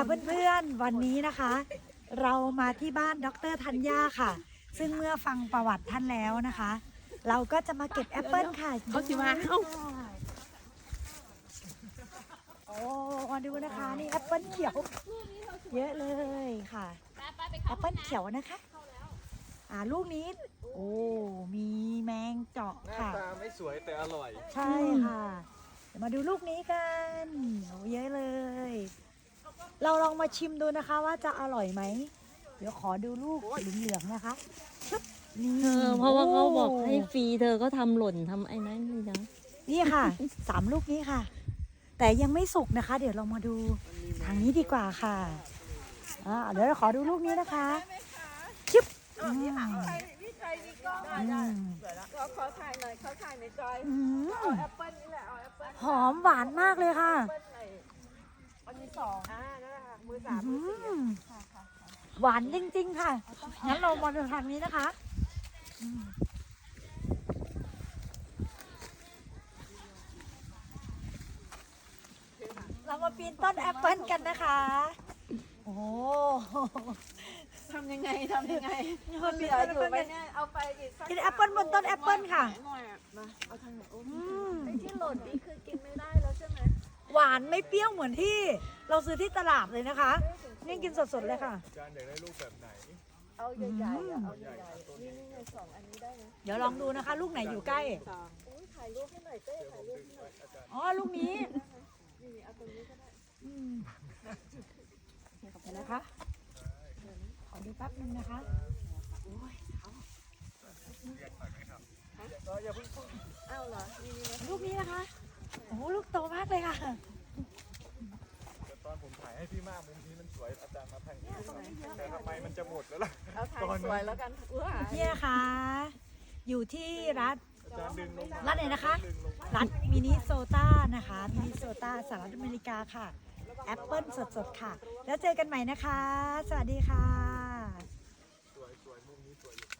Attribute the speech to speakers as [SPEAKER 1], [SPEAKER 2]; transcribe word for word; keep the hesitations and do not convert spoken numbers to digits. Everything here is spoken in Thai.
[SPEAKER 1] เพื่อนๆวันนี้นะคะ เรามาที่บ้านดรธัญญาค่ะ ซึ่งเมื่อฟังประวัติท่านแล้วนะคะ เราก็จะมาเก็บแอปเปิลค่ะ
[SPEAKER 2] เขาสิมาเอ้า
[SPEAKER 1] โอ้มาดูนะคะนี่แอปเปิลเขียวเยอะเลยค่ะแอปเปิลเขียวนะคะอ่าลูกนี้โอ้มีแมงเจาะ
[SPEAKER 3] หน้า
[SPEAKER 1] ค่ะ
[SPEAKER 3] ตาไม่สวยแต่อร่อย
[SPEAKER 1] ใช่ค่ะเดี๋ยวมาดูลูกนี้กันโอ้เยอะเลย เราลองมาชิมดูนะคะว่าจะอร่อยไหม เดี๋ยวขอดูลูกเหลืองๆนะคะชึบนี่
[SPEAKER 2] เธอเพราะว่าเขาบอกให้
[SPEAKER 1] โ
[SPEAKER 2] ฟรีเธอก็ทำหล่นทำไอ้นั้นนี่นะ
[SPEAKER 1] นี่ค่ะ สามลูกนี้ค่ะ แต่ยังไม่สุกนะคะ เดี๋ยวเรามาดูทางนี้ดีกว่าค่ะอ่าเดี๋ยวเราขอดูลูกนี้นะคะชึบอืม
[SPEAKER 4] พี่ใครมีกล้อง
[SPEAKER 1] อื
[SPEAKER 4] ได้
[SPEAKER 1] ม
[SPEAKER 4] เราขอถ่ายหน่อยขอถ่ายในจอย
[SPEAKER 1] อืม
[SPEAKER 4] เอาแอปเปิ้ลนี่แหละเอาแอปเปิ้ล
[SPEAKER 1] หอมหวานมากเลยค่ะ
[SPEAKER 4] แอปเปิ้ลไหนอันนี้สองอ่านั่นแหละค่ะมือสาม
[SPEAKER 1] อื
[SPEAKER 4] มือสี่
[SPEAKER 1] มหวานจริงๆค่ะ งั้นเรามาดูทางนี้นะคะอืมเรามาปีนต้นแอปเปิลกันนะคะ โอ้โห
[SPEAKER 4] ทำยังไงทำยังไง
[SPEAKER 1] มั
[SPEAKER 4] มัน น
[SPEAKER 1] มี
[SPEAKER 4] เหลือ
[SPEAKER 1] ต้น
[SPEAKER 4] อยู่
[SPEAKER 1] แอปเปิ้ล
[SPEAKER 4] ไหมเนี่ยเอาไปอีกสัก
[SPEAKER 1] กินแอปเปิลบนต้นแอปเปิลค่ะ
[SPEAKER 4] หน่อยอ่ะมาเอาทางไหนโอ้
[SPEAKER 1] อืม
[SPEAKER 4] ไอ้ที่หล่นนี่คือกินไม่ได้แล้วใช่ไหม
[SPEAKER 1] หวานไม่เปรี้ยวเหมือนที่เราซื้อที่ตลาดเลยนะคะ นี่กินสดๆเลยค่ะ
[SPEAKER 3] จานอยากได้รูปแบบไหน
[SPEAKER 4] เอาใหญ่ๆอ่ะเอาใหญ่ๆนี่นี่ไงสองอันนี้ได้ไหม
[SPEAKER 1] เดี๋ยวลองดูนะคะ ลูกไหนอยู่ใกล้
[SPEAKER 4] สองอุ้ยถ่ายรูปให้หน่อยเต้ถ่ายรูปให้หน่อย
[SPEAKER 1] อ๋อ ลูกนี้
[SPEAKER 4] นี่เอาตรงนี้ก็ได้
[SPEAKER 1] อืมขอบคุณนะคะ ขอดูแป๊บนึงนะคะ
[SPEAKER 4] อ้าวเหรอนี่นี่นะ
[SPEAKER 1] ลูกนี้นะคะ โอ้โหลูกโตมากเลยค่ะ
[SPEAKER 3] แต่ตอนผมถ่ายให้พี่มากมุมนี้มันสวยอาจารย์มาทางนี้แต่ทำไมมันจะหมดแล้วล่ะ
[SPEAKER 4] เอาถ่ายสวยแล้วกันอุ้ย
[SPEAKER 1] นี่นะคะ อยู่ที่รัฐ
[SPEAKER 3] อาจารย์ดึงลงมา
[SPEAKER 1] รัฐไหนนะคะ
[SPEAKER 3] ดึงลงมา
[SPEAKER 1] รัฐมินนิโซตานะคะ มินนิโซตาสหรัฐอเมริกาค่ะ แอปเปิลสดๆค่ะ แล้วเจอกันใหม่นะคะ สวัสดีค่ะ
[SPEAKER 3] สวยสวยมุมนี้สวยอยู่